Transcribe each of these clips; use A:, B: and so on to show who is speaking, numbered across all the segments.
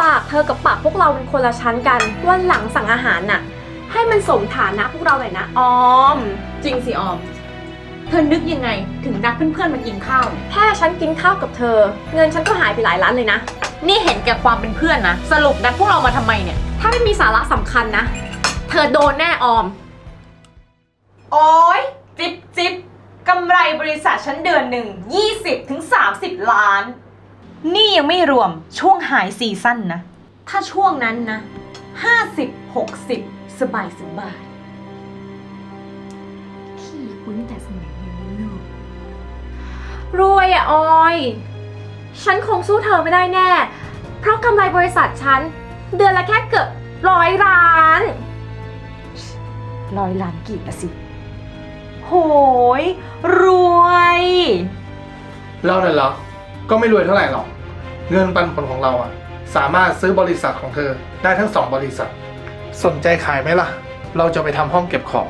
A: ปากเธอกับปากพวกเราเป็นคนละชั้นกันวันหลังสั่งอาหารน่ะให้มันสมฐานะพวกเราหน่อยนะออม
B: จริงสิออมเธอนึกยังไงถึงนัดเพื่อนๆมากินข้าวเนี่ย
A: แค่ฉันกินข้าวกับเธอเงินฉันก็หายไปหลายล้านเลยนะ
B: นี่เห็นแก่ความเป็นเพื่อนนะสรุปนัดพวกเรามาทำไมเนี่ย
A: ถ้าไม่มีสาระสำคัญนะเธอโดนแน่ออม
B: โอ๊ยจิ๊บกำไรบริษัทฉันเดือนหนึ่ง20-30 ล้านนี่ยังไม่รวมช่วงหายซีซั่นนะถ้าช่วงนั้นนะ50-60สบาย
A: พี่คุ้นแต่สมัยเรียนลูกรวยอะออยฉันคงสู้เธอไม่ได้แน่เพราะกำไรบริษัทฉันเดือนละแค่เกือบ100 ล้าน
B: 100 ล้านกี่ละสิโหยรวย
C: เราเนี่ยเหรอก็ไม่รวยเท่าไหร่หรอกเงินปันผลของเราอะสามารถซื้อบริษัทของเธอได้ทั้ง2 บริษัทสนใจขายไหมล่ะเราจะไปทำห้องเก็บของ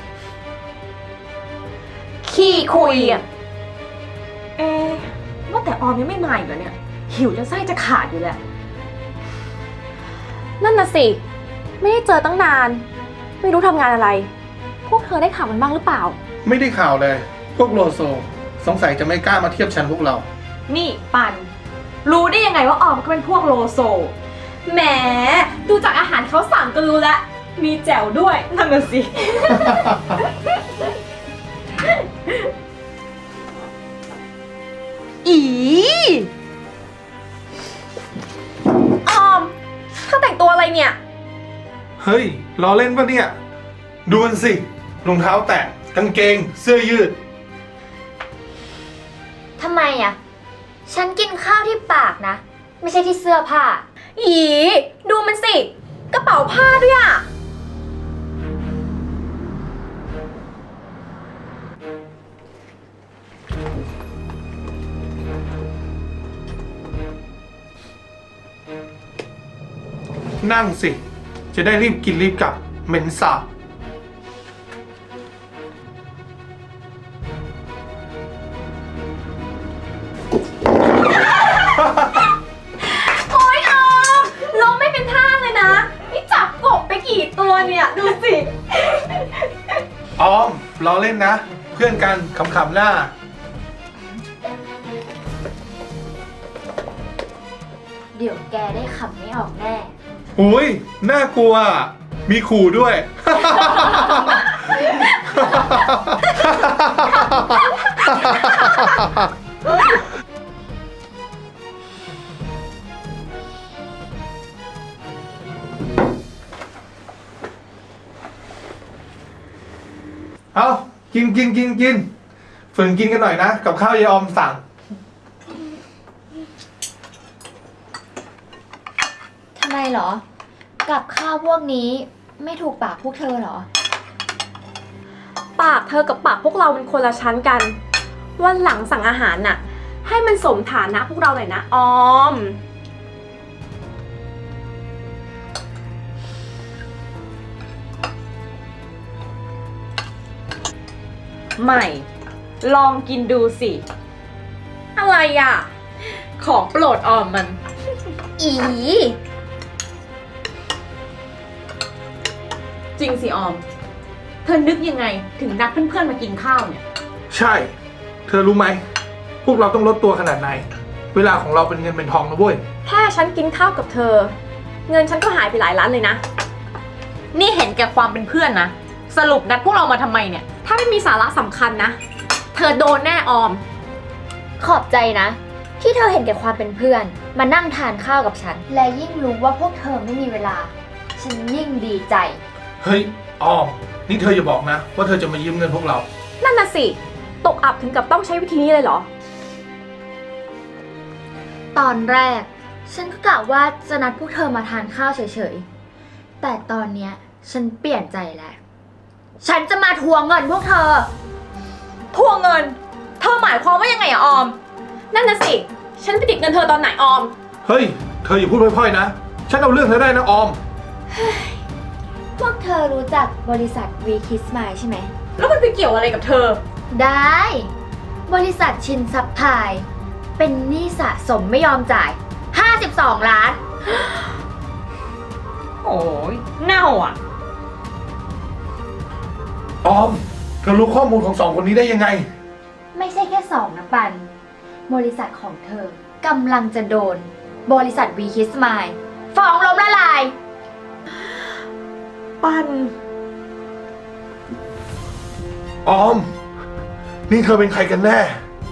B: ขี้คุยอ่ะว่าแต่ออมยังไม่มาอีกเหรอเนี่ยหิวจนไส้จะขาดอยู่แล้ว
A: นั่นน่ะสิไม่ได้เจอตั้งนานไม่รู้ทำงานอะไรพวกเธอได้ข่าวมันบ้างหรือเปล่า
C: ไม่ได้ข่าวเลยพวกโลโซสงสัยจะไม่กล้ามาเทียบชั้นพวกเรา
B: นี่ปันรู้ได้ยังไงว่าออมก็เป็นพวกโลโซ
A: แหมดูจากอาหารเขาสั่งก็รู้แล้วมีแจ่วด้วย
B: นั่นน่ะสิ อี
A: ออมเธอแต่งตัวอะไรเนี่ย
C: เฮ้ยล้อเล่นปะเนี่ยดูมันสิรองเท้าแตะกางเกงเสื้อยืด
D: ทำไมอ่ะฉันกินข้าวที่ปากนะไม่ใช่ที่เสื้อผ้า
A: อีดูมันสิกระเป๋าผ้าด้วยอ่ะ
C: นั่งสิจะได้รีบกินรีบกลับเหม็นสาบ
A: โอ๊ยออมลงไม่เป็นท่าเลยนะนี่จับกบไปกี่ตัวเนี่ยดูสิ
C: ออมล้อเล่นนะเพื่อนกันขำๆหน้า
D: เดี๋ยวแกได้ขำไม่ออกแน่
C: หุยน่ากลัวมีขู่ด้วย เอากินฝืนกินกันหน่อยนะกับข้าวยายออมสั่ง
D: ทำไมเหรอกับข้าวพวกนี้ไม่ถูกปากพวกเธอเหรอ
A: ปากเธอกับปากพวกเราเป็นคนละชั้นกันวันหลังสั่งอาหารน่ะให้มันสมฐานะพวกเราหน่อยนะออม
B: ไม่ลองกินดูสิ
A: อะไรอ่ะ
B: ของโปรดออมมัน
A: อี
B: จริงสิออมเธอนึกยังไงถึงนัดเพื่อนๆมากินข้าวเนี่ย
C: ใช่เธอรู้ไหมพวกเราต้องลดตัวขนาดไหนเวลาของเราเป็นเงินเป็นทองนะเว้ย
A: แค่ฉันกินข้าวกับเธอเงินฉันก็หายไปหลายล้านเลยนะ
B: นี่เห็นแก่ความเป็นเพื่อนนะสรุปนัดพวกเรามาทำไมเนี่ย
A: ถ้าไม่มีสาระสำคัญนะเธอโดนแน่ออม
D: ขอบใจนะที่เธอเห็นแก่ความเป็นเพื่อนมานั่งทานข้าวกับฉันและยิ่งรู้ว่าพวกเธอไม่มีเวลาฉันยิ่งดีใจ
C: เฮ้ยออมนี่เธออย่าบอกนะว่าเธอจะมายืมเงินพวกเรา
A: นั่นน่ะสิตกอับถึงกับต้องใช้วิธีนี้เลยเหรอ
D: ตอนแรกฉันก็กะว่าจะนัดพวกเธอมาทานข้าวเฉยๆแต่ตอนเนี้ยฉันเปลี่ยนใจแล้วฉันจะมาทวงเงินพวกเธอ
B: ทวงเงินเธอหมายความว่ายังไงอะออม
A: นั่นน่ะสิฉันไปติดเงินเธอตอนไหนออม
C: เฮ้ยเธออย่าพูดพร่อยๆนะฉันเอาเรื่องเธอได้นะออม
D: พวกเธอรู้จักบริษัท V Kiss Smile ใช่ไหม
B: แล้วมันไปเกี่ยวอะไรกับเธอ
D: ได้บริษัทชินซับพลายเป็นหนี้สะสมไม่ยอมจ่าย52 ล้าน
C: ออม เธอรู้ข้อมูลของสองคนนี้ได้ยังไง
D: ไม่ใช่แค่สองนะปัน บริษัทของเธอกำลังจะโดน บริษัทวีคิสมายฟ้องล้มละลาย
B: ปัน
C: ออม นี่เธอเป็นใครกันแน่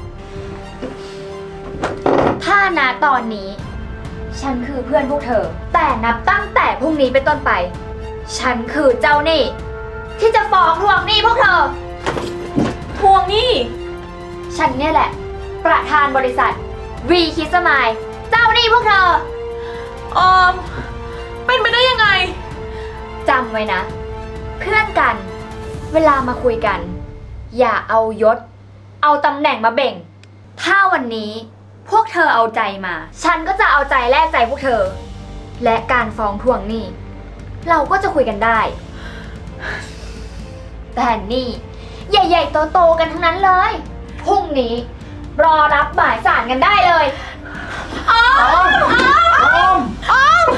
D: ถ้าณตอนนี้ ฉันคือเพื่อนพวกเธอ แต่นับตั้งแต่พรุ่งนี้เป็นต้นไป ฉันคือเจ้าหนี้ที่จะฟ้องทวงหนี้พวกเธอ
A: ทวงหนี้
D: ฉันเนี่ยแหละ ประธานบริษัทวีคิสมายเจ้าหนี้พวกเธอ
A: ออม เป็นไปได้ยังไง
D: จำไว้นะ เพื่อนกัน เวลามาคุยกัน อย่าเอายศ เอาตำแหน่งมาเบ่ง ถ้าวันนี้พวกเธอเอาใจมา ฉันก็จะเอาใจแลกใจพวกเธอ และการฟ้องทวงหนี้เราก็จะคุยกันได้ แต่นี่ใหญ่ๆโตๆกันทั้งนั้นเลยพรุ่งนี้ รอรับหมายสารกันได้เลย
C: ออม ออม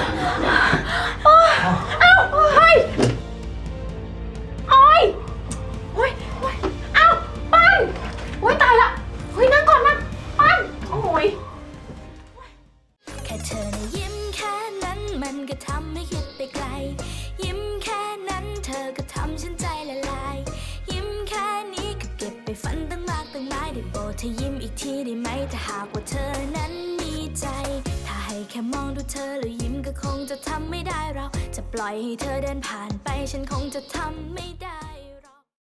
A: เฮ้ยโอ้ยโอ้ยโอ้ยเอ้าปันโอ้ยตายละเฮ้ยนั่งก่อนนั่งปันโอ้ย
E: แค่เธอนะยิ้มแค่นั้นมันก็ทำให้คิดไปไกล ยิ้มแค่นั้นเธอก็ทำฉันใจละลาย ยิ้มแค่นี้ก็เก็บไปฝันตั้งมากตั้งหลายได้โปรดเธอยิ้มอีกทีได้ไหมถ้าหากว่าเธอนั้นมีใจ ถ้าให้แค่มองดูเธอแล้วยิ้มก็คงจะทำไม่ได้เราจะปล่อยให้เธอเดินผ่านไปฉันคงจะทำไม่ได้